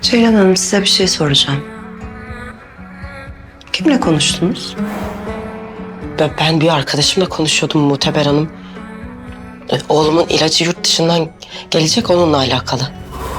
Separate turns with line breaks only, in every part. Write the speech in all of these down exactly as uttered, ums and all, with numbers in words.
Ceylan Hanım, size bir şey soracağım. Kimle konuştunuz?
Ben, ben bir arkadaşımla konuşuyordum Muteber Hanım. E, Oğlumun ilacı yurt dışından gelecek, onunla alakalı.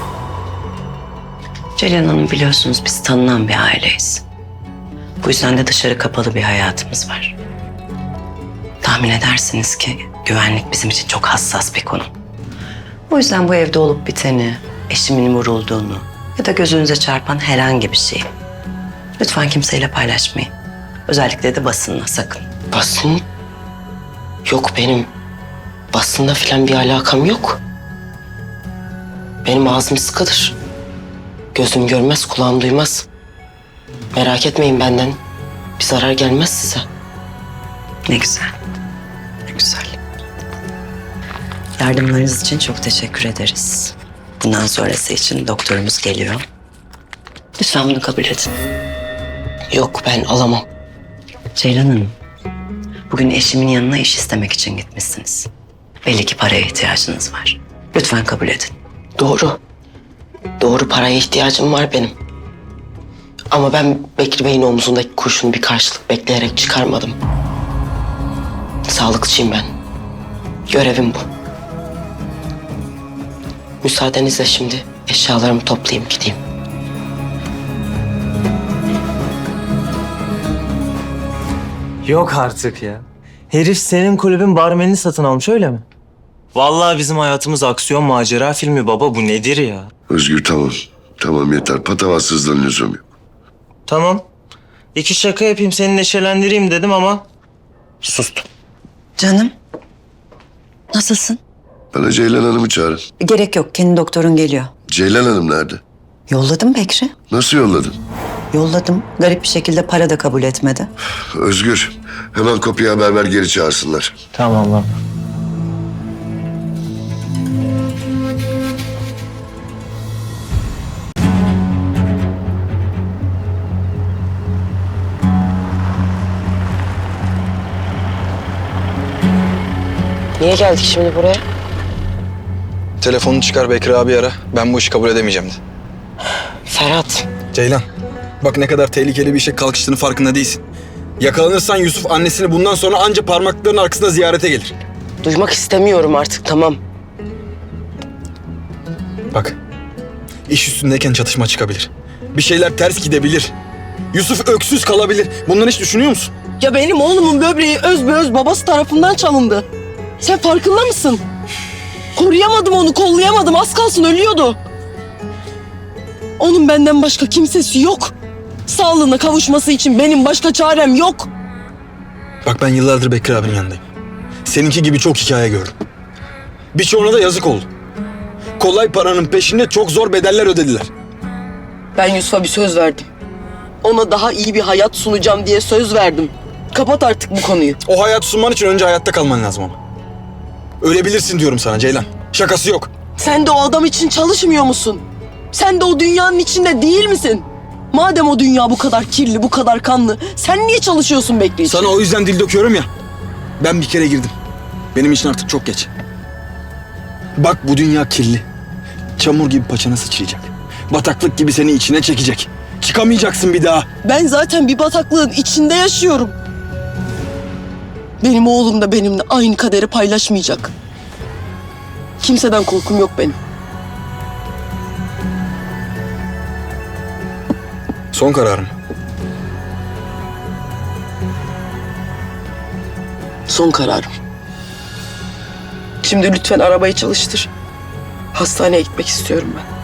Ceylan Hanım, biliyorsunuz biz tanınan bir aileyiz. Bu yüzden de dışarı kapalı bir hayatımız var. Tahmin edersiniz ki güvenlik bizim için çok hassas bir konu. O yüzden bu evde olup biteni, eşimin vurulduğunu ya da gözünüze çarpan herhangi bir şeyi lütfen kimseyle paylaşmayın. Özellikle de basınla, sakın.
Basın? Yok, benim basınla falan bir alakam yok. Benim ağzım sıkıdır. Gözüm görmez, kulağım duymaz. Merak etmeyin, benden bir zarar gelmez size.
Ne güzel. Ne güzel. Yardımlarınız için çok teşekkür ederiz. Bundan sonrası için doktorumuz geliyor. Lütfen bunu kabul edin.
Yok, ben alamam.
Ceylan Hanım, bugün eşimin yanına iş istemek için gitmişsiniz. Belli ki paraya ihtiyacınız var. Lütfen kabul edin.
Doğru. Doğru, paraya ihtiyacım var benim. Ama ben Bekri Bey'in omzundaki kurşunu bir karşılık bekleyerek çıkarmadım. Sağlıkçıyım ben. Görevim bu. Müsaadenizle şimdi eşyalarımı toplayayım, gideyim.
Yok artık ya. Herif senin kulübün barmenini satın almış, öyle mi? Vallahi bizim hayatımız aksiyon macera filmi baba, bu nedir ya?
Özgür tamam. Tamam yeter. Patavatsızlığın lüzum yok.
Tamam. İki şaka yapayım, seni neşelendireyim dedim ama sustum.
Canım, nasılsın?
Bana Ceylan Hanım'ı çağırın.
Gerek yok, kendi doktorun geliyor.
Ceylan Hanım nerede?
Yolladım Bekri.
Nasıl yolladın?
Yolladım. Garip bir şekilde para da kabul etmedi.
Özgür, hemen kapıya haber ver, geri çağırsınlar.
Tamam lan.
Niye geldik şimdi buraya?
Telefonunu çıkar, Bekri abi ara. Ben bu işi kabul edemeyeceğim de.
Ferhat,
Ceylan, bak ne kadar tehlikeli bir işe kalkıştığını farkında değilsin. Yakalanırsan Yusuf annesini bundan sonra anca parmaklarının arkasında ziyarete gelir.
duymak istemiyorum artık, tamam.
Bak, iş üstündeyken çatışma çıkabilir. Bir şeyler ters gidebilir. Yusuf öksüz kalabilir. Bunları hiç düşünüyor musun?
Ya benim oğlumun böbreği özbeöz babası tarafından çalındı. Sen farkında mısın? Koruyamadım onu, kollayamadım. Az kalsın ölüyordu. Onun benden başka kimsesi yok. Sağlığına kavuşması için benim başka çarem yok.
Bak ben yıllardır Bekri abinin yanındayım. Seninki gibi çok hikaye gördüm. Birçoğuna da yazık oldu. Kolay paranın peşinde çok zor bedeller ödediler.
Ben Yusuf'a bir söz verdim. Ona daha iyi bir hayat sunacağım diye söz verdim. Kapat artık bu konuyu.
O hayat sunman için önce hayatta kalman lazım ama. Ölebilirsin diyorum sana Ceylan. Şakası yok.
Sen de o adam için çalışmıyor musun? Sen de o dünyanın içinde değil misin? Madem o dünya bu kadar kirli, bu kadar kanlı, sen niye çalışıyorsun Bekri için?
Sana o yüzden dil döküyorum ya. Ben bir kere girdim. Benim için artık çok geç. Bak bu dünya kirli. Çamur gibi paçana sıçrayacak. Bataklık gibi seni içine çekecek. Çıkamayacaksın bir daha.
Ben zaten bir bataklığın içinde yaşıyorum. Benim oğlum da benimle aynı kaderi paylaşmayacak. Kimseden korkum yok benim.
Son kararım.
Son kararım. Şimdi lütfen arabayı çalıştır. Hastaneye gitmek istiyorum ben.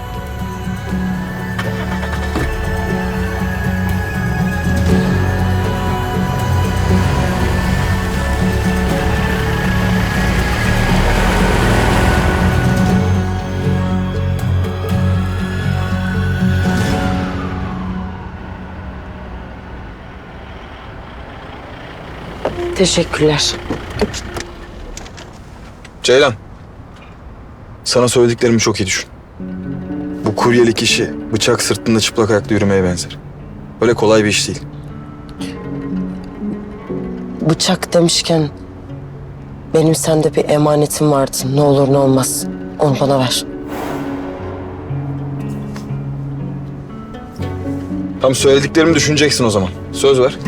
Teşekkürler.
Ceylan. Sana söylediklerimi çok iyi düşün. Bu kuryelik işi bıçak sırtında çıplak ayakta yürümeye benzer. Öyle kolay bir iş değil.
Bıçak demişken benim sende bir emanetim vardı. Ne olur ne olmaz onu bana ver.
Tam söylediklerimi düşüneceksin o zaman. Söz ver.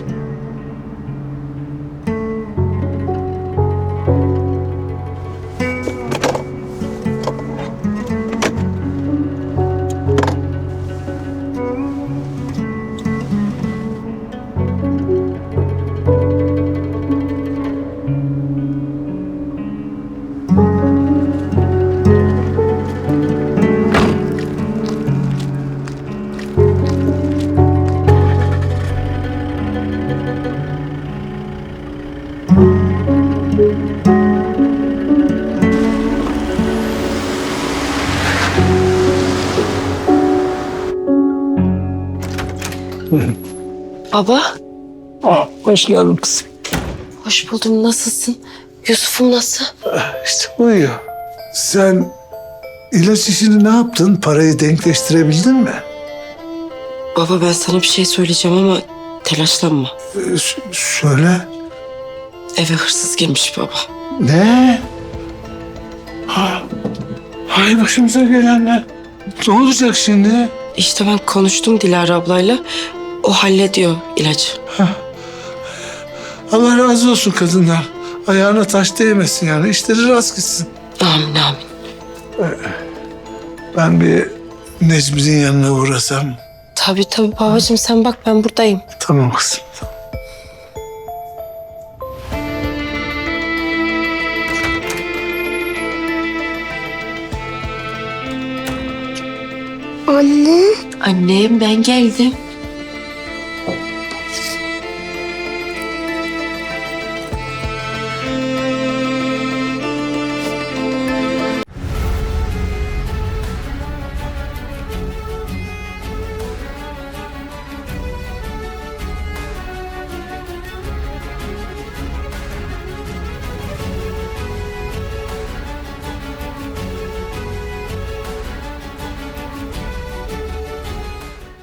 Baba,
Hoş geldin kızım.
hoş buldum. Nasılsın? Yusuf'um nasıl?
İşte uyuyor. Sen ilaç işini ne yaptın? Parayı denkleştirebildin mi?
Baba ben sana bir şey söyleyeceğim ama telaşlanma.
Ee, s- söyle.
Eve hırsız girmiş baba.
Ne? Ha, hay başımıza gelenler. Ne olacak şimdi?
İşte ben konuştum Dilara ablayla. O hallediyor ilacı.
Allah razı olsun kadından. Ayağına taş değmesin yani. İşleri rast gitsin.
Amin amin.
Ben bir Necmi'nin yanına uğrasam.
Tabii tabii babacığım sen bak ben buradayım.
Tamam kızım.
Annem ben geldim.